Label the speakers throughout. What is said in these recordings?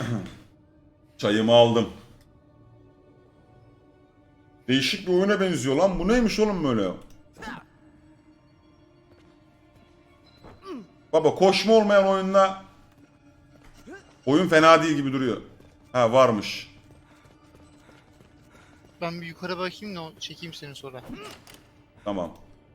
Speaker 1: Çayımı aldım. Değişik bir oyuna benziyor lan. Bu neymiş oğlum böyle? Baba koşma olmayan oyunla oyun fena değil gibi duruyor. Ha varmış.
Speaker 2: Ben bir yukarı bakayım da çekeyim seni sonra.
Speaker 1: Tamam.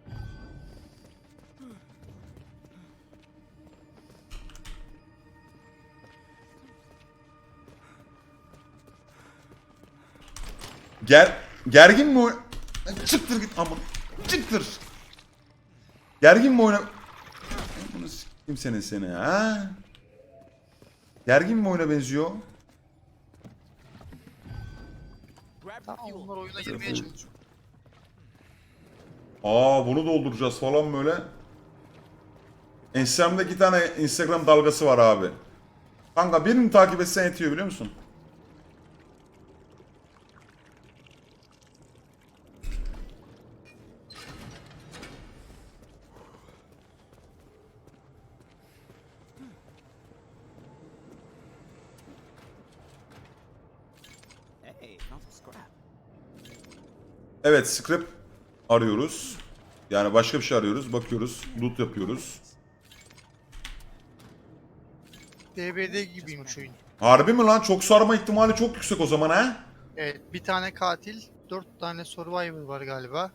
Speaker 1: Gergin mi oyun? Çıktır git aman. Çıktır. Gergin mi oyuna? Bunu s**eyim seni ha? Gergin mi oyuna benziyor?
Speaker 2: Tamam, onlar oyuna girmeye çalışıyor.
Speaker 1: Aa bunu dolduracağız falan böyle. Instagram'da 2 tane Instagram dalgası var abi. Kanka birini takip etsen yetiyor biliyor musun? Evet scrap arıyoruz. Yani başka bir şey arıyoruz. Bakıyoruz. Loot yapıyoruz.
Speaker 2: DBD gibiymiş oyun.
Speaker 1: Harbi mi lan? Çok sarma ihtimali çok yüksek o zaman ha?
Speaker 2: Evet, bir tane katil, 4 tane survivor var galiba.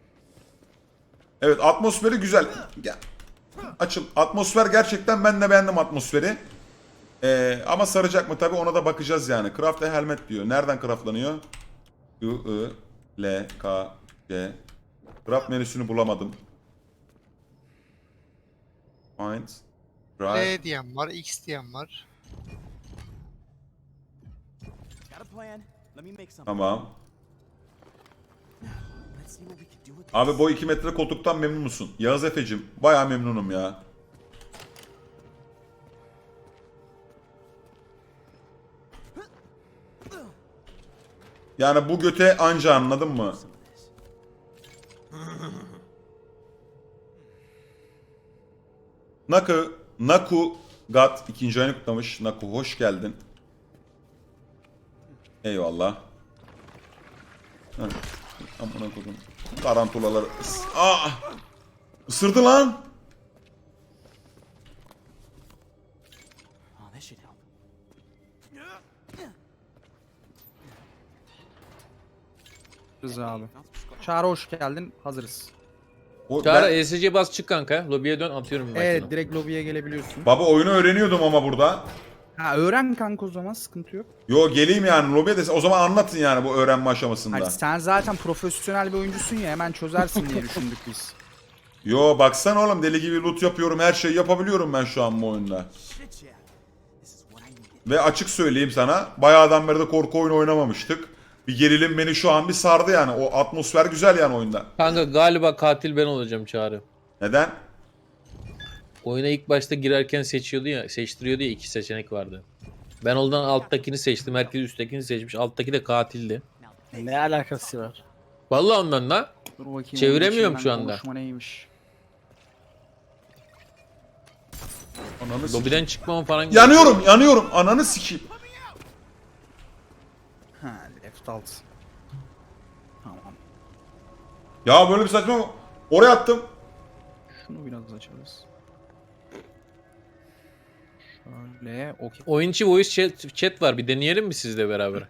Speaker 1: Evet atmosferi güzel. Gel. Açıl. Atmosfer gerçekten ben de beğendim atmosferi. Ama saracak mı tabi ona da bakacağız yani. Craft a helmet diyor. Nereden craftlanıyor? I, I, L, K, C. Craft menüsünü bulamadım. Find. Drive.
Speaker 2: L diyen var, X diyen var.
Speaker 1: Tamam. Abi boy 2 metre koltuktan memnun musun? Yağız Efe'cim baya memnunum ya. Yani bu göte anca anladın mı? Naku Gat ikinci ayını kutlamış. Naku hoş geldin. Eyvallah. Heh. Amına koydum. Tarantulalar. Aa! Isırdı lan.
Speaker 3: Rıza abi. Çağrı hoş geldin. Hazırız.
Speaker 4: Çağrı ESC bas çık kanka. Lobiye dön atıyorum bir
Speaker 3: Evet
Speaker 4: makine.
Speaker 3: direkt lobiye gelebiliyorsun.
Speaker 1: Baba oyunu öğreniyordum ama burada.
Speaker 3: Ha öğren kanka o zaman sıkıntı yok.
Speaker 1: Yo geleyim yani lobiye de o zaman anlatın yani bu öğrenme aşamasında.
Speaker 3: Hayır, sen zaten profesyonel bir oyuncusun ya hemen çözersin diye düşündük biz.
Speaker 1: Yo baksana oğlum deli gibi loot yapıyorum her şeyi yapabiliyorum ben şu an bu oyunda. Ve açık söyleyeyim sana bayağıdan beri de korku oyunu oynamamıştık. Bir gerilim beni şu an bir sardı yani o atmosfer güzel yani oyunda.
Speaker 4: Kanka galiba katil ben olacağım Çağrı.
Speaker 1: Neden?
Speaker 4: Oyuna ilk başta girerken seçtiriyordu ya iki seçenek vardı. Ben oradan alttakini seçtim. Herkes üsttekini seçmiş. Alttaki de katildi.
Speaker 5: Ne alakası var?
Speaker 4: Vallahi ondan da.
Speaker 3: Dur bakayım.
Speaker 4: Çeviremiyorum
Speaker 3: onun
Speaker 4: şu
Speaker 3: içinden
Speaker 4: anda.
Speaker 3: konuşma neymiş?
Speaker 1: Ananı sikeyim.
Speaker 4: Lobiden çıkmam falan.
Speaker 1: Yanıyorum ananı sikeyim.
Speaker 3: Ha left alt. Tamam.
Speaker 1: Ya böyle bir saçma oraya attım.
Speaker 3: Şunu biraz açarız. Şöyle okey.
Speaker 4: Oyun içi voice chat var. Bir deneyelim mi sizle beraber?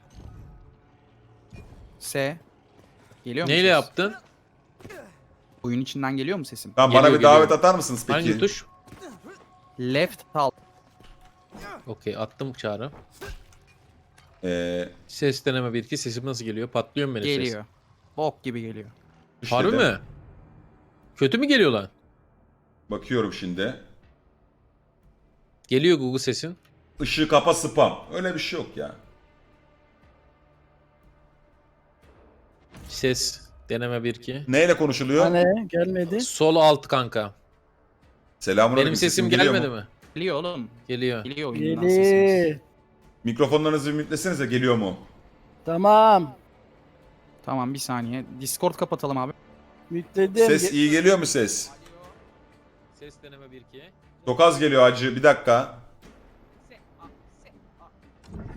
Speaker 3: S. Geliyor mu
Speaker 4: Neyle
Speaker 3: ses?
Speaker 4: yaptın?
Speaker 3: Oyun içinden geliyor mu sesim?
Speaker 1: Tamam bana
Speaker 4: Geliyor,
Speaker 1: bir davet
Speaker 4: geliyor.
Speaker 1: atar mısınız peki?
Speaker 4: Hangi tuş?
Speaker 3: Left alt.
Speaker 4: Okey attım Çağrı.
Speaker 1: Ee,
Speaker 4: Ses deneme 1-2. Sesim nasıl geliyor? Patlıyor mu benim ses?
Speaker 3: Geliyor. Bok gibi geliyor.
Speaker 1: işte
Speaker 4: Harbi
Speaker 1: de.
Speaker 4: mi? Kötü mü geliyor lan?
Speaker 1: Bakıyorum şimdi.
Speaker 4: Geliyor Google sesin.
Speaker 1: Işığı kapa spam. Öyle bir şey yok ya.
Speaker 4: Ses deneme 1-2.
Speaker 1: Neyle konuşuluyor?
Speaker 5: Hani gelmedi.
Speaker 4: Sol alt kanka.
Speaker 1: Selamünaleyküm.
Speaker 4: Benim sesim
Speaker 1: geliyor
Speaker 4: gelmedi
Speaker 1: mu?
Speaker 4: mi?
Speaker 3: Geliyor oğlum.
Speaker 4: Geliyor.
Speaker 3: Geliyor oyundan sesimiz.
Speaker 5: Geli.
Speaker 1: Mikrofonlarınızı bir mütlesenize geliyor mu?
Speaker 5: Tamam.
Speaker 3: Tamam bir saniye. Discord kapatalım abi.
Speaker 5: Yükledim.
Speaker 1: Ses iyi geliyor mu ses?
Speaker 4: Ses deneme 1-2.
Speaker 1: Çok az geliyor hacı bir dakika.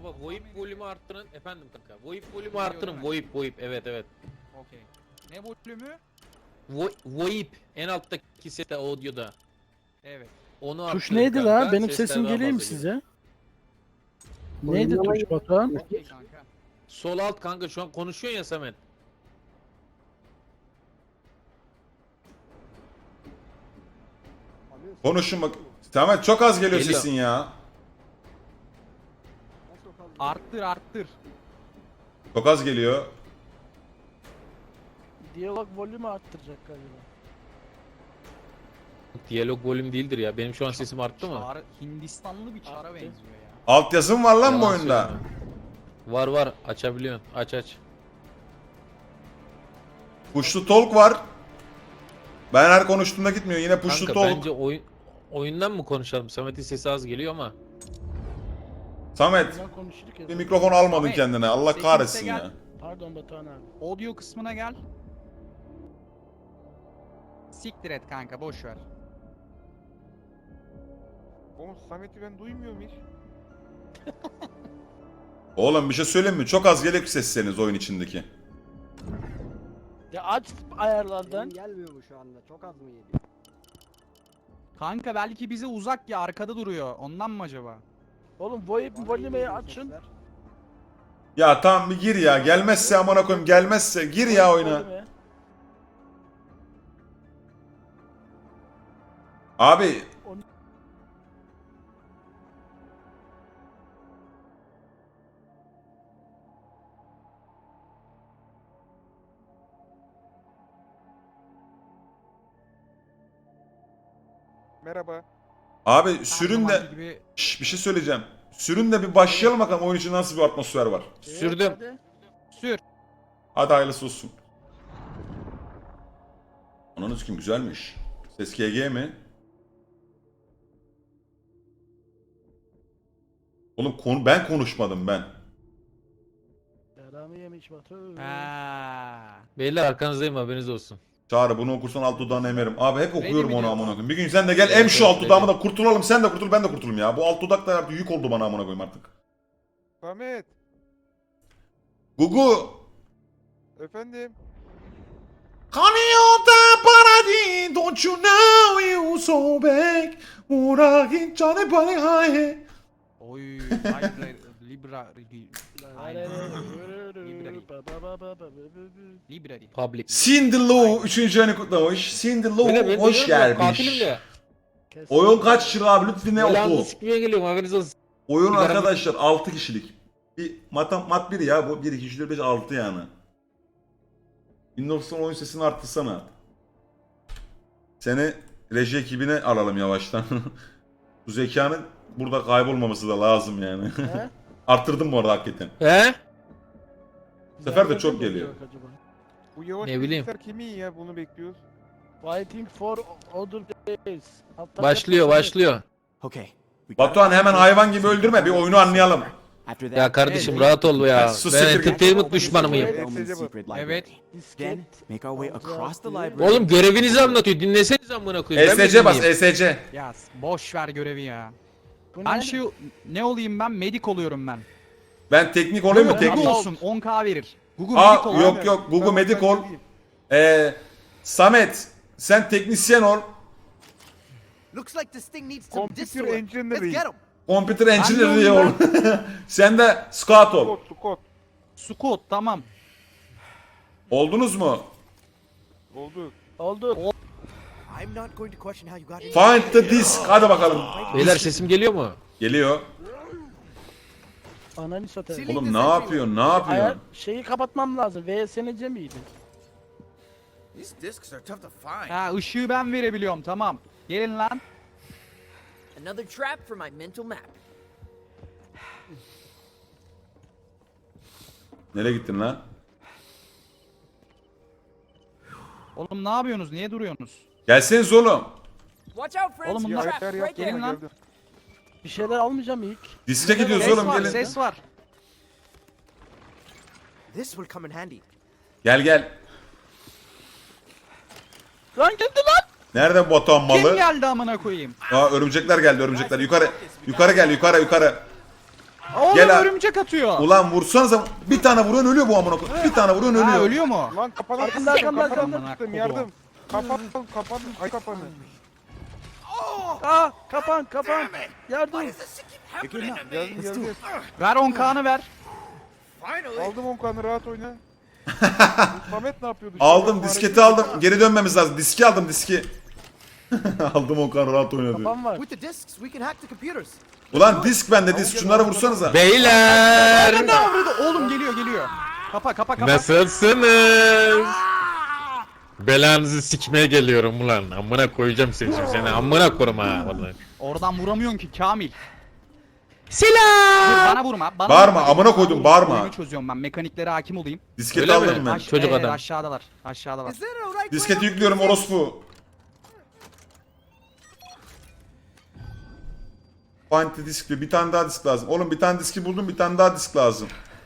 Speaker 4: Baba VoIP volümü arttırın. Efendim kanka. VoIP volümü arttırın. VoIP. Evet.
Speaker 3: Okey. Ne volümü?
Speaker 4: VoIP. En alttaki seste audio'da.
Speaker 3: Evet.
Speaker 4: Onu
Speaker 5: Tuş
Speaker 4: arttırın
Speaker 5: neydi
Speaker 4: kanka,
Speaker 5: la? Benim
Speaker 4: sesler
Speaker 5: sesim
Speaker 4: daha
Speaker 5: geliyor mu
Speaker 4: fazla
Speaker 5: size? Neydi tuş Batuhan?
Speaker 3: Okey kanka.
Speaker 4: Sol alt kanka şu an konuşuyorsun ya Samet.
Speaker 1: Konuşun bak. Samet çok az geliyor
Speaker 4: Geliyor.
Speaker 1: sesin ya.
Speaker 3: Arttır.
Speaker 1: Çok az geliyor.
Speaker 5: Diyalog volümü arttıracak galiba.
Speaker 4: Diyalog volüm değildir ya. Benim şu an sesim arttı mı?
Speaker 3: Hindistanlı bir çara
Speaker 5: Arttı.
Speaker 3: benziyor ya.
Speaker 1: Altyazım var lan bu
Speaker 4: Yalan
Speaker 1: oyunda.
Speaker 4: söyleme. Var. Açabiliyorsun. Aç.
Speaker 1: Push to talk var. Ben her konuştuğumda gitmiyor. Yine push to
Speaker 4: Kanka
Speaker 1: talk.
Speaker 4: bence oyundan mı konuşalım? Samet'in sesi az geliyor ama.
Speaker 1: Samet
Speaker 5: Ben konuşurduk ya.
Speaker 1: bir mikrofon almadın
Speaker 3: Samet,
Speaker 1: kendine. Allah
Speaker 3: sesin
Speaker 1: kahretsin
Speaker 3: ise
Speaker 1: ya.
Speaker 3: gel.
Speaker 5: Pardon Batuhan abi.
Speaker 3: Audio kısmına gel. Siktir et kanka boş ver.
Speaker 6: Oğlum Samet'i ben duymuyorum hiç.
Speaker 1: Oğlum bir şey söyleyeyim mi? Çok az geliyor sesleriniz oyun içindeki.
Speaker 5: Ya aç ayarlardan.
Speaker 7: Gelmiyor mu şu anda? Çok az mı geliyor?
Speaker 3: Kanka belki bize uzak ya arkada duruyor. Ondan mı acaba?
Speaker 5: Oğlum volümü açın.
Speaker 1: Ya tamam bir gir ya. Gelmezse amına koyayım gelmezse gir ya oyuna.
Speaker 5: Volümü.
Speaker 1: Abi
Speaker 6: Merhaba.
Speaker 1: abi sürün
Speaker 3: Her
Speaker 1: de
Speaker 3: zamanki gibi
Speaker 1: Şş, bir şey söyleyeceğim. Sürün de bir başlayalım bakalım oyun için nasıl bir atmosfer var.
Speaker 4: Sürdüm.
Speaker 5: Hadi.
Speaker 3: sür.
Speaker 1: Hadi hayırlısı olsun. Ananız kim güzelmiş. Ses GG mi? Oğlum ben konuşmadım ben.
Speaker 5: Yaramı yemiş Batu.
Speaker 4: Beyler arkanızdayım haberiniz olsun.
Speaker 1: Çağrı bunu okursan alt dudağını emerim. Abi hep okuyorum
Speaker 3: mi
Speaker 1: onu
Speaker 3: diyor?
Speaker 1: amına koyayım. Bir gün sen de gel em şu alt dudağımı da kurtulalım. Sen de kurtul ben de kurtulayım ya. Bu alt dudak da artık yük oldu bana amına koyayım artık.
Speaker 6: Samet.
Speaker 1: Gugu.
Speaker 6: Efendim.
Speaker 1: Kanıyorda paradis, don't you know you so big. Uğraşın canı bana haye.
Speaker 3: Oy. Library. Library.
Speaker 4: Public.
Speaker 1: Cindy Lou 3. ayını kutlamış. Cindy Lou
Speaker 4: Beyler, ben
Speaker 1: hoş
Speaker 4: diyorum ya, Katilim
Speaker 1: gelmiş.
Speaker 4: de.
Speaker 1: Oyun kaç lira abi lütfen ne
Speaker 4: Belanızı
Speaker 1: oku.
Speaker 4: sikmeye geliyorum haberiniz olsun.
Speaker 1: Oyun
Speaker 4: Sigara-
Speaker 1: arkadaşlar 6 kişilik. Bir mat 1 ya bu 1 2 3 4 5 6 yani. Windows 10 oyun sesini arttırsana. Seni reji ekibine alalım yavaştan. Bu zekanın burada kaybolmaması da lazım yani.
Speaker 5: He?
Speaker 1: Arttırdım bu arada hakikaten.
Speaker 4: He?
Speaker 1: Bu sefer de
Speaker 5: Nerede
Speaker 1: çok
Speaker 5: mi
Speaker 1: geliyor.
Speaker 5: yok acaba?
Speaker 6: Bu yavaş
Speaker 4: Ne bileyim.
Speaker 6: bilgisayar kimin ya? Bunu bekliyoruz.
Speaker 5: Waiting for other days. Altta
Speaker 4: Başlıyor.
Speaker 8: Okay.
Speaker 1: Batuhan hemen hayvan gibi öldürme bir oyunu anlayalım.
Speaker 8: After that,
Speaker 4: Ya kardeşim rahat ol ya.
Speaker 1: Sus,
Speaker 4: Ben
Speaker 1: siktir git.
Speaker 4: entertainment düşmanı mıyım?
Speaker 8: Roman secret library.
Speaker 3: Evet.
Speaker 8: Then make our way across the library.
Speaker 4: Oğlum görevinizi anlatıyor. Dinleseniz amına koyayım. Ben mi
Speaker 1: ESC bas
Speaker 4: dinleyeyim?
Speaker 1: ESC.
Speaker 3: Ya boş ver görevi ya.
Speaker 5: Bu
Speaker 3: Ben
Speaker 5: ne?
Speaker 3: şu ne olayım ben? Medik oluyorum ben.
Speaker 1: Ben teknik olayım mı
Speaker 3: Google
Speaker 1: teknik?
Speaker 3: olsun 10k verir. Google Medik
Speaker 1: Aa
Speaker 3: ol.
Speaker 1: yok yok Google
Speaker 6: Tamam,
Speaker 1: Medik
Speaker 6: ben
Speaker 1: ol.
Speaker 6: geleyim.
Speaker 1: Samet sen teknisyen ol.
Speaker 7: Looks like this thing needs some
Speaker 6: Computer
Speaker 7: distillate.
Speaker 6: engineering.
Speaker 7: Let's get 'em.
Speaker 1: Computer
Speaker 3: de
Speaker 1: engineer ol.
Speaker 3: olayım
Speaker 1: Sen de scout ol.
Speaker 6: Kod.
Speaker 3: Squat tamam.
Speaker 1: Oldunuz mu?
Speaker 6: Oldu.
Speaker 5: Oldu.
Speaker 7: I'm not going to question how you got in.
Speaker 1: Find the disk. Hadi bakalım.
Speaker 4: Beyler sesim geliyor mu?
Speaker 1: Geliyor.
Speaker 5: Ananı satayım.
Speaker 1: Oğlum ne yapıyorsun? Ne
Speaker 5: Ayar
Speaker 1: yapıyorsun?
Speaker 5: şeyi kapatmam lazım. VSNC miydi?
Speaker 7: These discs are tough to find.
Speaker 3: Ha ışığı ben verebiliyorum tamam. Gelin lan.
Speaker 7: Another trap for my mental map.
Speaker 1: Nereye gittin lan?
Speaker 3: Oğlum ne yapıyorsunuz? Niye duruyorsunuz?
Speaker 1: Gelseniz oğlum.
Speaker 7: Watch out, friends.
Speaker 3: Oğlum
Speaker 6: Bir
Speaker 3: bunlar
Speaker 7: Trap
Speaker 6: ayar
Speaker 7: right
Speaker 6: yapma
Speaker 7: there.
Speaker 3: Gelin lan.
Speaker 6: geldim.
Speaker 5: Bir şeyler almayacağım ilk.
Speaker 1: Diske gidiyoruz
Speaker 3: Ses
Speaker 1: oğlum
Speaker 3: var,
Speaker 1: gelin.
Speaker 3: ses var.
Speaker 7: This will come in handy.
Speaker 1: Gel.
Speaker 5: Lan geldi lan.
Speaker 1: Nerede bu Batuhan
Speaker 3: Kim
Speaker 1: malı?
Speaker 3: geldi amına koyayım?
Speaker 1: Aa örümcekler geldi örümcekler. Yukarı gel yukarı.
Speaker 3: Oğlum
Speaker 1: Gel abi.
Speaker 3: örümcek atıyor.
Speaker 1: Ulan vursanıza bir tane vuruyorsun ölüyor bu amına koyayım. Bir tane vuruyorsun
Speaker 3: Ha
Speaker 1: ölüyor.
Speaker 3: ölüyor mu?
Speaker 6: Lan kapanı
Speaker 5: Arkamda,
Speaker 6: tuttum,
Speaker 5: arkamda,
Speaker 6: kapanı
Speaker 3: arkamda.
Speaker 6: tuttum, yardım. Kapan. Ay kapanı.
Speaker 5: Aa kapan kapan. Yardım.
Speaker 6: Geldim.
Speaker 3: Ver 10K'nı ver.
Speaker 6: Aldım 10 kanı rahat oyna. Samet ne yapıyordu?
Speaker 1: Aldım disketi aldım. Geri dönmemiz lazım. Diski aldım diski. Aldım Okan rahat oynadı.
Speaker 5: Kapan var.
Speaker 7: With the discs, we can hack the computers.
Speaker 1: Ulan disk bende disk. Şunları vursanıza.
Speaker 4: Beyler
Speaker 3: Ne avradı? Oğlum geliyor. Kapa.
Speaker 4: nasılsınız? Belanızı sikmeye geliyorum ulan. Amına koyacağım seni amına korum ha vallahi.
Speaker 3: Oradan vuramıyorsun ki Kamil.
Speaker 4: Selam.
Speaker 3: Dur bana vurma. Bana
Speaker 1: Bağırma,
Speaker 3: vurma.
Speaker 1: amına koydum, bağırma.
Speaker 3: Oyunu çözüyorum ben. Mekaniklere hakim olayım.
Speaker 1: Disketi
Speaker 4: Öyle mi?
Speaker 1: aldım ben.
Speaker 4: Çocuk adam.
Speaker 3: Aşağıdalar.
Speaker 7: Is there a right way
Speaker 1: Disketi
Speaker 7: out?
Speaker 1: yüklüyorum orospu. Find the disk diyor. Bir tane daha disk lazım. Oğlum bir tane diski buldum, bir tane daha disk lazım.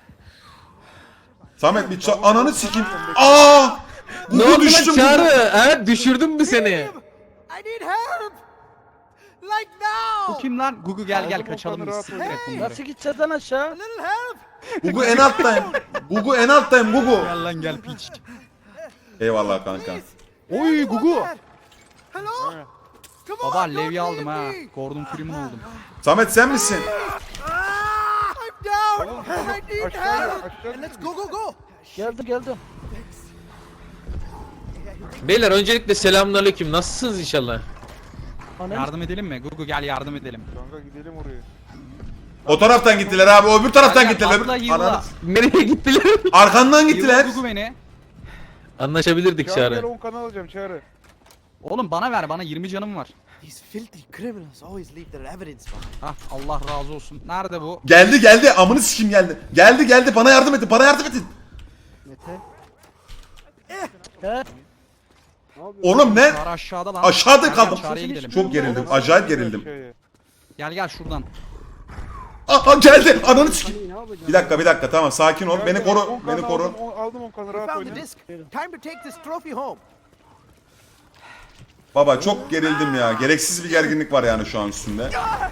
Speaker 1: Samet bir ananı sikeyim. Aa!
Speaker 4: Ne
Speaker 1: Gugu
Speaker 4: oldu lan
Speaker 1: düştüm.
Speaker 4: Çağrı? Ha düşürdüm mü seni?
Speaker 7: I need help! Like
Speaker 3: Bu
Speaker 7: now!
Speaker 3: kim lan? Gugu gel
Speaker 6: Aldım
Speaker 3: kaçalım
Speaker 6: Okan'ı,
Speaker 3: biz.
Speaker 6: rahat
Speaker 3: Direkt
Speaker 6: ol.
Speaker 3: bunları.
Speaker 5: Nasıl gideceğiz lan aşağı?
Speaker 7: A little help!
Speaker 1: Gugu en alttayım. Gugu en alttayım Gugu.
Speaker 3: Gel lan gel piç.
Speaker 1: Eyvallah kanka.
Speaker 3: Oy Gugu.
Speaker 7: Hello? Come on,
Speaker 3: Baba
Speaker 7: don't
Speaker 3: levye aldım ha.
Speaker 7: leave me.
Speaker 3: Gordon Freeman oldum.
Speaker 1: Samet sen misin?
Speaker 7: I'm down!
Speaker 6: Oğlum,
Speaker 7: I need
Speaker 6: aşağıya,
Speaker 7: help!
Speaker 6: aşağı.
Speaker 7: And let's go!
Speaker 5: Geldim.
Speaker 4: Beyler öncelikle selamünaleyküm. Nasılsınız inşallah?
Speaker 5: Ananı
Speaker 3: Yardım edelim mi? Gugu gel yardım edelim.
Speaker 6: Kanka gidelim oraya.
Speaker 1: O taraftan gittiler abi. Öbür taraftan
Speaker 3: Gel,
Speaker 1: gittiler.
Speaker 3: atla, yılla.
Speaker 1: Ananı-
Speaker 4: Nereye gittiler?
Speaker 1: Arkandan gittiler.
Speaker 3: Gugu beni.
Speaker 4: Anlaşabilirdik
Speaker 6: Çağrı gel
Speaker 4: Çağrı.
Speaker 6: 10 kanı alacağım Çağrı.
Speaker 3: Oğlum bana ver bana 20 canım var.
Speaker 7: These filthy criminals always leave their evidence behind.
Speaker 3: Ah Allah razı olsun. Nerede bu?
Speaker 1: Geldi. Amını sikim geldi. Geldi. Bana yardım edin. Bana yardım edin.
Speaker 5: He?
Speaker 1: Oğlum ne?
Speaker 3: Çağrı aşağıda lan.
Speaker 1: Aşağıda
Speaker 3: Gel,
Speaker 1: kaldım.
Speaker 3: gel, Çağrı'ya gidelim.
Speaker 1: Çok gerildim. Acayip gerildim.
Speaker 6: Aşağıya.
Speaker 3: Gel şuradan.
Speaker 1: Aa geldi. Ananı sikeyim. Bir dakika. Tamam sakin ol. Beni koru.
Speaker 6: 10 kanı
Speaker 1: Beni koru.
Speaker 6: Aldım 10 kanı
Speaker 7: We
Speaker 6: rahat
Speaker 7: found
Speaker 6: oyna.
Speaker 7: the disc. Time to take this trophy home.
Speaker 1: Baba çok gerildim ya. Gereksiz bir gerginlik var yani şu an üstünde.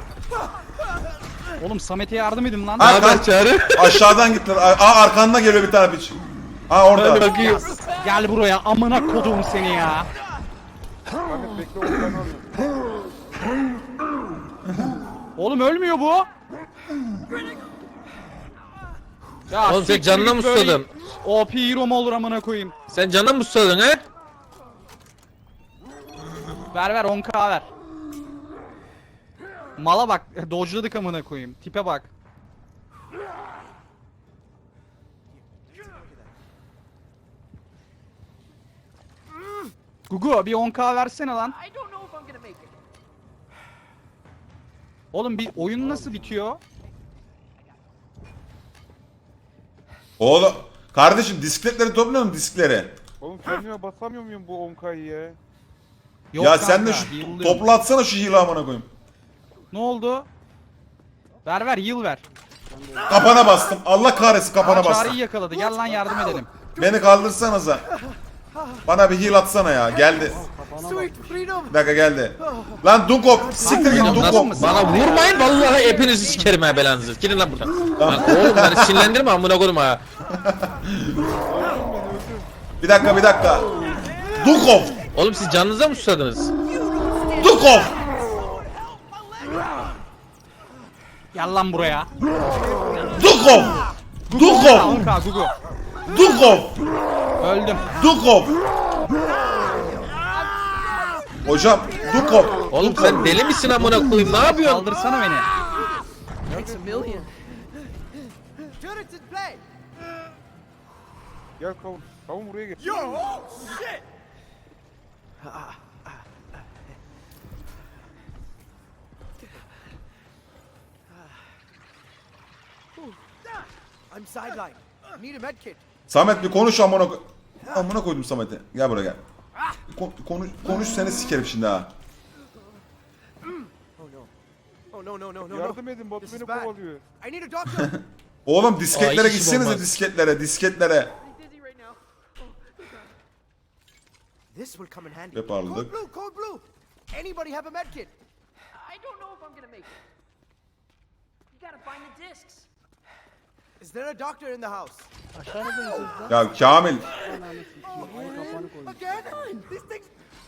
Speaker 3: Oğlum Samet'e yardım edin lan.
Speaker 1: Ha,
Speaker 4: Haber Çağrı?
Speaker 1: Aşağıdan gittiler. Aa arkandan geliyor bir tane piç. Aa
Speaker 4: Hadi
Speaker 1: orada.
Speaker 4: bakayım.
Speaker 3: Gel buraya amına kodum seni ya.
Speaker 6: Samet bekle 10 kanı alıyorum.
Speaker 3: Oğlum ölmüyor bu. Ya
Speaker 4: Oğlum sen
Speaker 3: siktir
Speaker 4: canına
Speaker 3: git
Speaker 4: mı
Speaker 3: böyle
Speaker 4: susadın?
Speaker 3: OP hero mu olur amına koyayım.
Speaker 4: Sen canına mı susadın he?
Speaker 3: Ver 10K ver. Mala bak dodge'ladık amına koyayım. Tipe bak. Gugu bir 10K versene lan.
Speaker 7: I don't know if I'm gonna make it.
Speaker 3: Oğlum bir oyun nasıl bitiyor?
Speaker 1: Oğlum. Kardeşim diskletleri topluyor musun diskleri?
Speaker 6: Oğlum kendime basamıyor muyum bu 10K'yı ya?
Speaker 3: Yok
Speaker 1: Ya sen de
Speaker 3: kanka,
Speaker 1: şu
Speaker 3: heal'lıyorum.
Speaker 1: toplatsana şu hile amına koyayım.
Speaker 3: Ne oldu? Ver heal ver.
Speaker 1: Kapana bastım. Allah kahretsin kapana
Speaker 3: Aa,
Speaker 1: bastım.
Speaker 3: Çağrı'yı yakaladı. Gel lan yardım edelim.
Speaker 1: Beni kaldırsanıza. Bana bir heal atsana ya. Geldi.
Speaker 7: Sweet freedom!
Speaker 1: Bir dakika geldi. Lan Dunkop. Siktir git
Speaker 3: Oğlum,
Speaker 1: Dunkop.
Speaker 3: nasıl-
Speaker 4: Bana vurmayın vallahi hepinizi sikerim ha belanızı. Gidin lan buradan. Lan oğlum beni sinirlendirme amına koyma ha.
Speaker 1: Bir dakika. Dunkop.
Speaker 4: Oğlum siz canınıza mı susadınız?
Speaker 1: Dunkop.
Speaker 3: Gel lan buraya.
Speaker 1: Dunkop. Dunkop.
Speaker 3: 10K Gugu.
Speaker 1: Dunkop.
Speaker 3: Öldüm.
Speaker 1: Dunkop. Hocam Dunkop.
Speaker 4: Oğlum sen deli misin amına koyayım? Ne yapıyorsun?
Speaker 3: Kaldırsana beni.
Speaker 7: Thanks a million. Turrets in play!
Speaker 6: Gel kavun. Kavun buraya gel.
Speaker 7: I'm sidelined. Need a med kit.
Speaker 1: Samet bir konuş amına koydum Samet'e. Gel buraya gel. Konuş seni sikerim şimdi ha.
Speaker 7: Oh no.
Speaker 6: Yardım edin Batu
Speaker 7: This is
Speaker 6: beni
Speaker 7: bad.
Speaker 6: kovalıyor.
Speaker 7: I need a doctor.
Speaker 1: Oğlum disketlere
Speaker 4: Ay, işim
Speaker 1: gitsenize
Speaker 4: olmaz.
Speaker 1: disketlere.
Speaker 7: Dizzy right now. This will come in handy.
Speaker 1: Ve parladık.
Speaker 7: Code blue. Anybody have a med kit? I don't know if I'm gonna make it. Is there a doctor in the house?
Speaker 5: Aşağı ineceğiz lan.
Speaker 1: Ya Kamil.
Speaker 7: Again? These things.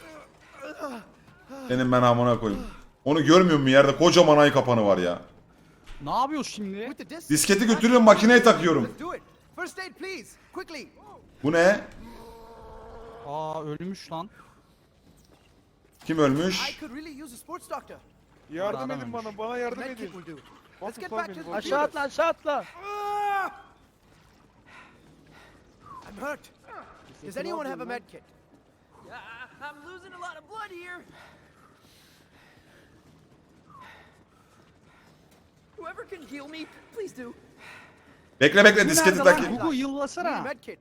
Speaker 1: Senin ben amına koyayım. Onu görmüyor musun yerde kocaman ay kapanı var ya.
Speaker 3: Ne yapıyorsun şimdi?
Speaker 7: With the disc.
Speaker 1: Disketi götürüyorum makineye takıyorum.
Speaker 7: Let's do it. First aid, please. Quickly.
Speaker 1: Bu ne?
Speaker 3: Aa ölmüş lan.
Speaker 1: Kim
Speaker 7: I
Speaker 1: ölmüş?
Speaker 7: could really use a sports doctor.
Speaker 6: Yardım
Speaker 3: Adam
Speaker 6: edin
Speaker 3: ölmüş.
Speaker 6: bana yardım
Speaker 7: Medkit
Speaker 6: edin.
Speaker 7: will do.
Speaker 6: Bak
Speaker 7: Let's get
Speaker 6: tutar
Speaker 7: back
Speaker 6: beni,
Speaker 7: to the
Speaker 6: bak.
Speaker 5: Aşağı atla aşağı atla.
Speaker 7: I'm hurt. Does anyone have a med kit?
Speaker 9: I'm losing a lot of blood here. Whoever can heal me, please do.
Speaker 1: Bekle disketi
Speaker 3: Nerede lan?
Speaker 1: takayım.
Speaker 3: Gugu
Speaker 7: Need a
Speaker 3: yıllasana.
Speaker 7: med kit.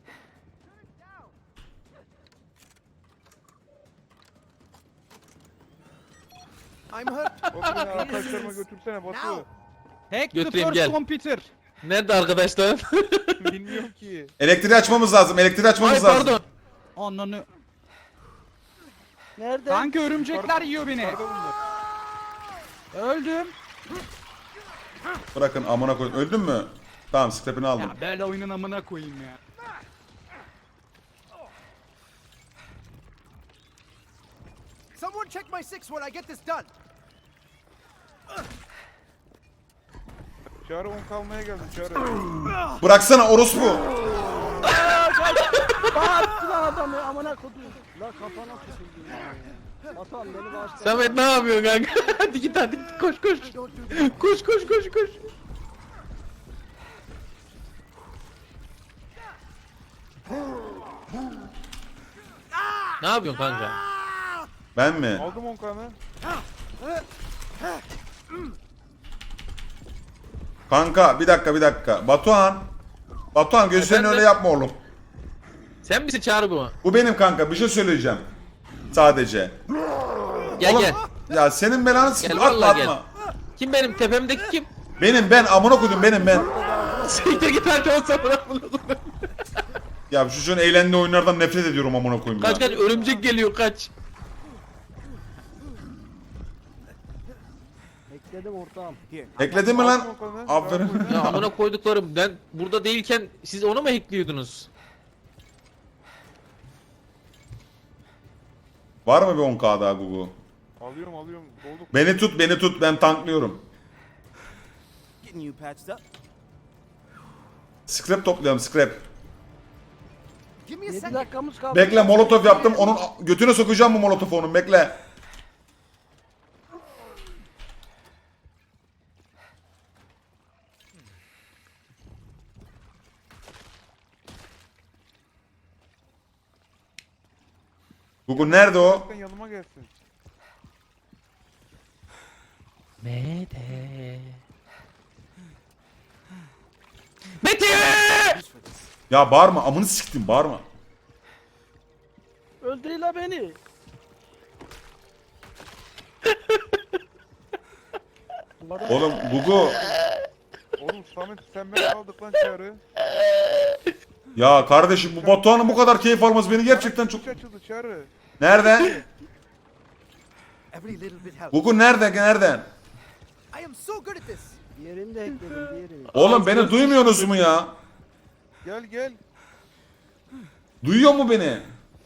Speaker 7: I'm hurt.
Speaker 6: Batu beni arkadaşlarıma götürsene
Speaker 7: Now.
Speaker 6: Batu.
Speaker 3: Hack the
Speaker 4: Götüreyim,
Speaker 3: first
Speaker 4: gel.
Speaker 3: computer.
Speaker 4: Nerede arkadaşlar?
Speaker 6: Bilmiyorum ki.
Speaker 1: Elektriği açmamız lazım. Elektriği
Speaker 4: Ay
Speaker 1: açmamız lazım.
Speaker 4: pardon.
Speaker 3: Ananı.
Speaker 5: Nerede?
Speaker 3: Kanka örümcekler yiyor beni.
Speaker 6: Yukarıda bunlar.
Speaker 3: Öldüm.
Speaker 1: Bırakın amına koyun. Öldün mü? Tamam scrap'ini aldım.
Speaker 3: Ya böyle oyunun amına koyayım ya.
Speaker 7: Someone check my six when I get this done.
Speaker 6: Çağrı 10 kalmaya geldim Çağrı.
Speaker 1: Bıraksana orospu.
Speaker 5: Bağırttı lan adamı amına kodum. La kafana tutuldu ya. Batuhan beni bağışla.
Speaker 4: Samet ne yapıyorsun kanka? Hadi git hadi git. Koş koş. Koş koş koş koş. Ne yapıyorsun kanka?
Speaker 1: Ben mi?
Speaker 6: Aldım 10 kanı.
Speaker 1: Kanka bir dakika. Batuhan gözlerini
Speaker 4: Efendim?
Speaker 1: öyle yapma oğlum.
Speaker 4: Sen misin Çağrı bu?
Speaker 1: Bu benim kanka bir şey söyleyeceğim. Sadece.
Speaker 4: Gel
Speaker 1: Oğlum,
Speaker 4: gel.
Speaker 1: ya senin belanı sikeyim.
Speaker 4: Gel,
Speaker 1: Atma
Speaker 4: vallahi
Speaker 1: atma.
Speaker 4: Kim benim tepemdeki kim?
Speaker 1: Ben amına koydum ben.
Speaker 4: Siktir git hadi o zaman.
Speaker 1: Ya şu çocuğun eğlendiği oyunlardan nefret ediyorum amına koyayım ya.
Speaker 4: Kaç kaç örümcek geliyor kaç.
Speaker 5: Bekledim ortağım.
Speaker 8: Here,
Speaker 1: Ekledin mi lan?
Speaker 6: Aldım 10 kanı.
Speaker 1: Aferin.
Speaker 4: Ya amına koyduklarım ben burada değilken siz onu mu hackliyordunuz?
Speaker 1: Var mı bir 10k daha Gugu?
Speaker 6: Alıyorum dolduk.
Speaker 1: Beni tut ben tanklıyorum.
Speaker 8: getting you patched up.
Speaker 1: Scrap toplayalım scrap.
Speaker 7: Give me a
Speaker 5: 7
Speaker 7: second.
Speaker 5: dakikamız kaldı.
Speaker 1: Bekle molotof yaptım onun götüne sokacağım bu molotofu onun bekle. Gugu nerede o?
Speaker 6: Bakın yanıma gelsin.
Speaker 4: Mete. Mete!
Speaker 1: Ya bağırma amını siktim bağırma.
Speaker 5: Öldürüyle beni.
Speaker 1: Oğlum Gugu
Speaker 6: Oğlum Samet sen beni aldık lan Çağrı.
Speaker 1: ya kardeşim bu Batuhan'ın bu kadar keyif alması beni gerçekten çok...
Speaker 6: Kuş açıldı Çağrı.
Speaker 1: Nereden?
Speaker 7: Every little bit helps.
Speaker 1: Gugu nereden?
Speaker 7: I am so good at this.
Speaker 5: Diğerini de ekledim diğerini.
Speaker 1: Oğlum beni duymuyorsunuz mu ya?
Speaker 6: Gel.
Speaker 1: Duyuyor mu beni?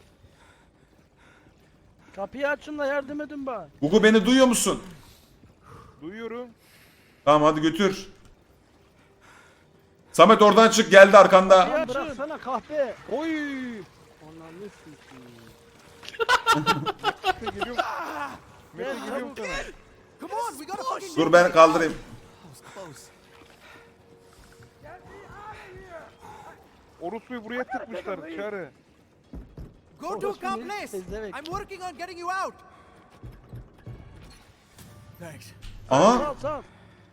Speaker 5: Kapıyı açın da yardım edin bana.
Speaker 1: Gugu beni duyuyor musun?
Speaker 6: Duyuyorum.
Speaker 1: Tamam hadi götür. Samet oradan çık geldi arkanda.
Speaker 5: Lan bıraksana kahpe.
Speaker 3: Oy.
Speaker 5: Ananı sikeyim.
Speaker 6: Mete geliyorum. Mete geliyorum sana.
Speaker 7: Come on, we gotta fucking
Speaker 1: Dur ben kaldırayım.
Speaker 7: close.
Speaker 6: Orospu'yu buraya tıkmışlar Çağrı.
Speaker 7: Go to a
Speaker 5: Orospu
Speaker 7: calm
Speaker 5: ne?
Speaker 7: place.
Speaker 5: Pezevenk.
Speaker 7: I'm working on getting you out. Thanks.
Speaker 1: Aha
Speaker 5: Sal sal.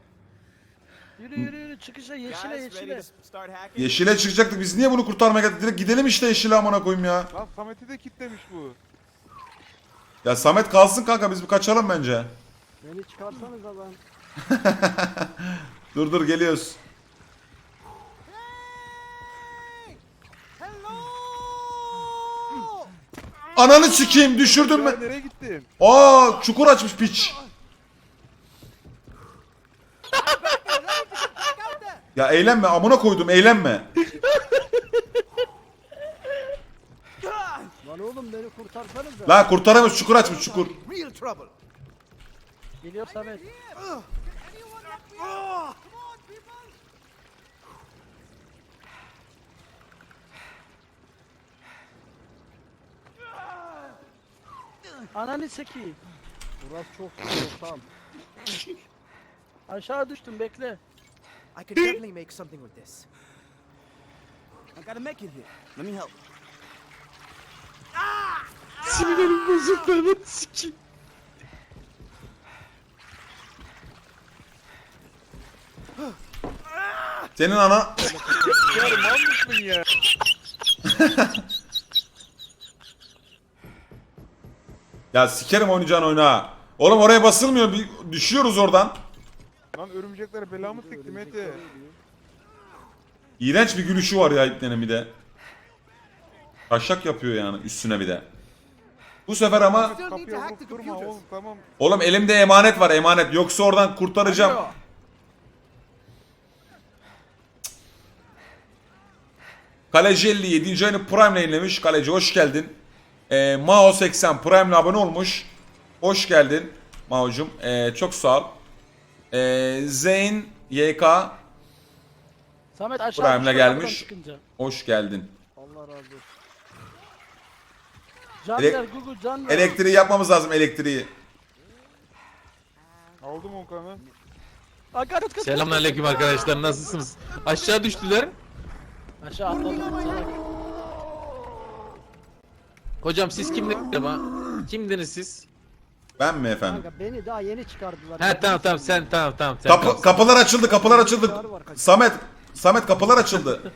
Speaker 5: Yürü çıkışa yeşile.
Speaker 8: start hacking?
Speaker 1: yeşile çıkacaktık biz niye bunu kurtarmaya geldik? Direkt gidelim işte yeşile amına koyayım ya.
Speaker 6: Lan Samet'i de kitlemiş bu.
Speaker 1: Ya Samet kalsın kanka biz bir kaçalım bence.
Speaker 5: Beni çıkarsanız lan.
Speaker 1: Dur geliyoruz.
Speaker 7: Hello.
Speaker 1: Ananı sikeyim düşürdün mü?
Speaker 6: Çağrı nereye gittin?
Speaker 1: Aa çukur açmış piç. Ya eğlenme amına koydum eğlenme.
Speaker 5: Lan oğlum beni kurtarsanız da.
Speaker 1: La kurtaramıyoruz çukur açmış çukur.
Speaker 7: Real trouble.
Speaker 5: Geliyor Samet. Ananı seki. Burası çok ortam. Aşağı düştüm bekle.
Speaker 7: I could definitely make something with this.
Speaker 8: I got a mech in here. Let me help.
Speaker 4: Sinirlerim bozuldu lan sikeyim.
Speaker 1: Senin ana...
Speaker 6: Ya mal mısın ya?
Speaker 1: Ya sikerim oynayacağın oyuna. Oğlum oraya basılmıyor. Düşüyoruz oradan.
Speaker 6: Lan örümceklere belamı sikti Mete.
Speaker 1: İğrenç bir gülüşü var ya ipnenin bir de. Taşak yapıyor yani üstüne bir de. Bu sefer ama...
Speaker 7: Still need to
Speaker 6: Kapıya
Speaker 7: hack
Speaker 6: vurup
Speaker 7: the
Speaker 6: durma
Speaker 7: computers.
Speaker 6: oğlum tamam.
Speaker 1: Oğlum elimde emanet var emanet. Yoksa oradan kurtaracağım.
Speaker 3: Alo.
Speaker 1: Kaleci 50 7. ayını Prime yayınlamış. Kaleci hoş geldin. Mao 80 Prime'le abone olmuş. Hoş geldin Mao'cum. Çok sağ ol. Zeyn YK
Speaker 5: Samet aşağı
Speaker 1: Prime'le
Speaker 5: düştüm
Speaker 1: gelmiş.
Speaker 5: arabadan çıkınca.
Speaker 1: hoş geldin.
Speaker 5: Allah razı olsun. Can
Speaker 1: Elek-
Speaker 5: ver Google can ver.
Speaker 1: Elektriği yapmamız lazım elektriği.
Speaker 6: Aldım Onkan'ı.
Speaker 5: Aga, kaç, kaç,
Speaker 4: Selamünaleyküm arkadaşlar, nasılsınız? Aşağı düştüler.
Speaker 5: Aşağı atladım salak.
Speaker 4: Hocam siz kimdiniz? Kimdiniz siz?
Speaker 1: Ben mi efendim?
Speaker 5: Kanka beni daha yeni çıkardılar.
Speaker 4: He tamam sen tamam sen. kalsın.
Speaker 1: Kapılar açıldı kapılar açıldı. Samet kapılar açıldı.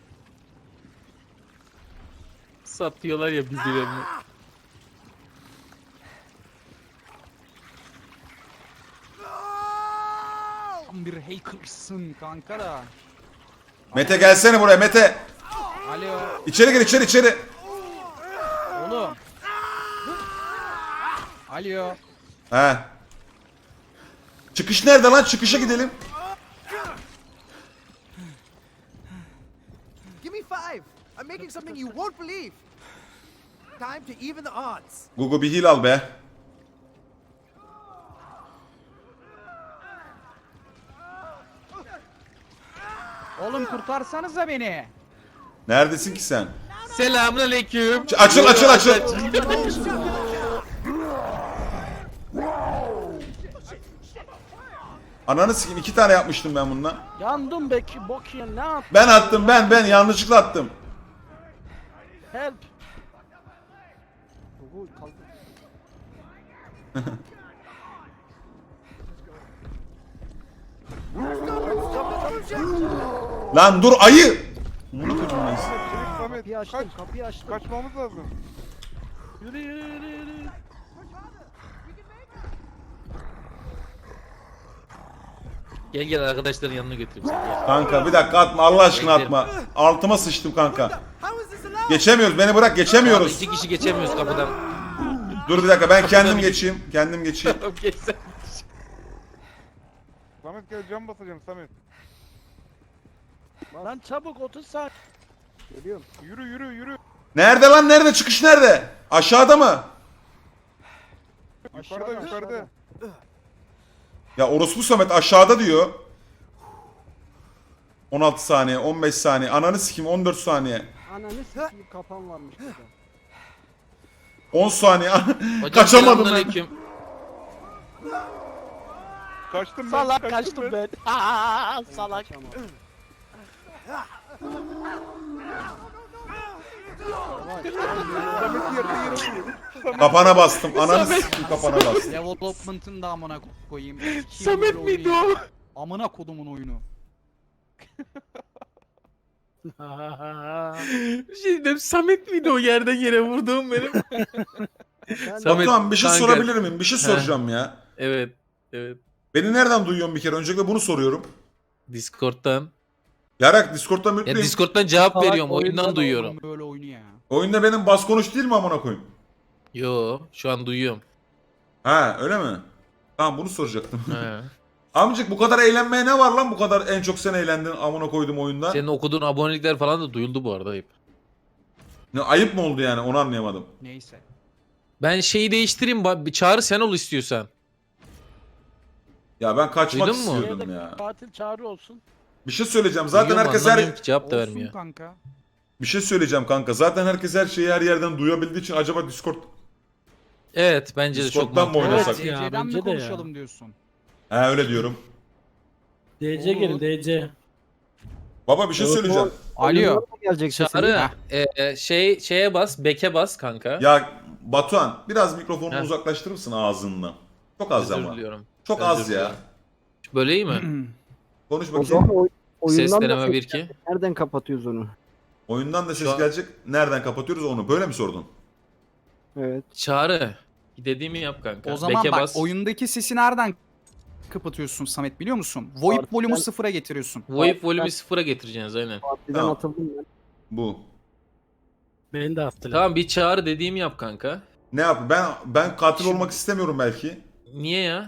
Speaker 4: Satıyorlar ya birbirlerini.
Speaker 3: Tam bir hackersın kanka da.
Speaker 1: Mete gelsene buraya Mete.
Speaker 3: Alo.
Speaker 1: İçeri gir içeri.
Speaker 3: Oğlum. Alo.
Speaker 1: He. Çıkış nerede lan? Çıkışa gidelim.
Speaker 7: Give me 5. I'm making something you won't believe. Time to even the odds.
Speaker 1: Gugu bir heal al be.
Speaker 3: Oğlum kurtarsanıza beni.
Speaker 1: Neredesin ki sen?
Speaker 4: Selamünaleyküm.
Speaker 1: Açıl. Ananı sikeyim 2 tane yapmıştım ben bundan.
Speaker 5: Yandım beki bok ya ne yap?
Speaker 1: Ben attım ben yanlışlıkla attım.
Speaker 5: Help. Google kaldı.
Speaker 1: Lan dur ayı.
Speaker 6: Çelik Samet
Speaker 5: Kapıyı açtım
Speaker 6: kaç.
Speaker 5: kapıyı açtım.
Speaker 6: Kaçmamız lazım.
Speaker 5: Yürü yürü yürü yürü.
Speaker 4: Gel arkadaşların yanına götüreyim seni. Gel.
Speaker 1: Kanka bir dakika atma Allah aşkına atma. Altıma sıçtım kanka.
Speaker 7: How is this allowed?
Speaker 1: Geçemiyoruz beni bırak
Speaker 4: Abi
Speaker 1: geçemiyoruz.
Speaker 4: 2 kişi geçemiyoruz kapıdan.
Speaker 1: Dur bir dakika ben kendim geçeyim.
Speaker 4: Tamam geç sen.
Speaker 6: Samet gel cam basacağım Samet.
Speaker 5: Lan çabuk 30 saat. Geliyorum.
Speaker 6: Yürü.
Speaker 1: Nerede lan nerede çıkış nerede? Aşağıda mı?
Speaker 6: Yukarıda.
Speaker 1: Ya orospu Samet aşağıda diyor. 16 saniye 15 saniye ananı sikeyim 14 saniye.
Speaker 5: Ananı sikeyim kapan varmış burada.
Speaker 1: 10 saniye
Speaker 4: Hocam
Speaker 1: kaçamadım ben.
Speaker 4: selamünaleyküm.
Speaker 6: Kaçtım ben.
Speaker 5: Salak kaçtım ben. Aa, salak.
Speaker 6: Samet'i yere vuruyor.
Speaker 1: Kapana bastım ananı sikeyim kapana bastım.
Speaker 3: Development'ın da amına koyayım.
Speaker 4: Samet miydi o?
Speaker 3: Amına kodumun oyunu.
Speaker 4: Bir şey dedim, Samet miydi o yerden yere vurduğum benim?
Speaker 5: Ben
Speaker 4: Samet,
Speaker 1: Batuhan bir şey
Speaker 4: kanka.
Speaker 1: sorabilir miyim? Bir şey soracağım ya.
Speaker 4: Evet.
Speaker 1: Beni nereden duyuyorsun bir kere? Öncelikle bunu soruyorum.
Speaker 4: Discord'dan.
Speaker 1: Yarak Discord'dan
Speaker 4: Ya
Speaker 1: mutluyum.
Speaker 4: Discord'dan cevap
Speaker 5: Salak
Speaker 4: veriyorum, oyundan
Speaker 5: oyundan
Speaker 4: duyuyorum.
Speaker 3: Oğlum böyle oyunu ya.
Speaker 1: Oyunda benim bas konuş değil mi amına koyayım?
Speaker 4: Yo, şu an duyuyorum.
Speaker 1: Ha öyle mi? Tamam bunu soracaktım.
Speaker 4: He.
Speaker 1: Amcık bu kadar eğlenmeye ne var lan, bu kadar en çok sen eğlendin amına koydum oyunda.
Speaker 4: Senin okuduğun abonelikler falan da duyuldu bu arada ayıp.
Speaker 1: Ne ayıp mı oldu yani, onu anlayamadım.
Speaker 3: Neyse.
Speaker 4: Ben şeyi değiştireyim. Bir Çağrı sen ol istiyorsan.
Speaker 1: Ya ben kaçmak
Speaker 4: Duydun mu?
Speaker 1: istiyordum ya.
Speaker 5: Katil Çağrı olsun.
Speaker 1: Bir şey söyleyeceğim. Zaten
Speaker 4: Duyuyor mu?
Speaker 1: herkes
Speaker 4: Anlamıyorum ki, cevap da
Speaker 3: Olsun
Speaker 4: vermiyor.
Speaker 3: kanka.
Speaker 1: Bir şey söyleyeceğim kanka. Zaten herkes her şeyi her yerden duyabildiği için acaba Discord...
Speaker 4: Evet bence de çok
Speaker 1: Discord'dan mı
Speaker 4: mantıklı.
Speaker 1: oynasak?
Speaker 3: Evet,
Speaker 5: ya,
Speaker 3: DC'den mi
Speaker 5: bence de ya.
Speaker 3: konuşalım diyorsun?
Speaker 1: He öyle diyorum.
Speaker 5: DC gelin DC.
Speaker 1: Baba bir şey söyleyeceğim.
Speaker 3: Alo.
Speaker 5: Gelecek
Speaker 4: Çağrı şeye bas, beke bas kanka.
Speaker 1: Ya Batuhan biraz mikrofonunu
Speaker 4: Heh.
Speaker 1: uzaklaştırır mısın ağzından? Çok az
Speaker 4: Özür
Speaker 1: ama.
Speaker 4: diliyorum.
Speaker 1: Çok
Speaker 4: Özür
Speaker 1: az ya.
Speaker 4: diliyorum. Böyle iyi mi?
Speaker 1: Konuş
Speaker 5: O
Speaker 1: bakayım.
Speaker 5: zaman
Speaker 4: Ses
Speaker 5: oyundan
Speaker 4: deneme
Speaker 5: da
Speaker 4: 1-2.
Speaker 5: nereden kapatıyoruz onu?
Speaker 1: Oyundan da ses
Speaker 4: Şu an-
Speaker 1: gelecek. Nereden kapatıyoruz onu? Böyle mi sordun?
Speaker 5: Evet.
Speaker 4: Çağrı. Dediğimi yap kanka.
Speaker 3: O zaman
Speaker 4: Beke
Speaker 3: bak
Speaker 4: bas.
Speaker 3: oyundaki sesi nereden kapatıyorsun Samet biliyor musun? VoIP
Speaker 5: Artık
Speaker 3: volümü
Speaker 5: ben-
Speaker 3: sıfıra getiriyorsun.
Speaker 4: VoIP volümü sıfıra getireceğiz aynen.
Speaker 5: Partiden
Speaker 1: Tamam.
Speaker 5: atıldım ben.
Speaker 1: Bu.
Speaker 5: Beni de attılar.
Speaker 4: Tamam bir Çağrı dediğimi yap kanka.
Speaker 1: Ne yap? Ben katil olmak istemiyorum belki.
Speaker 4: Niye ya?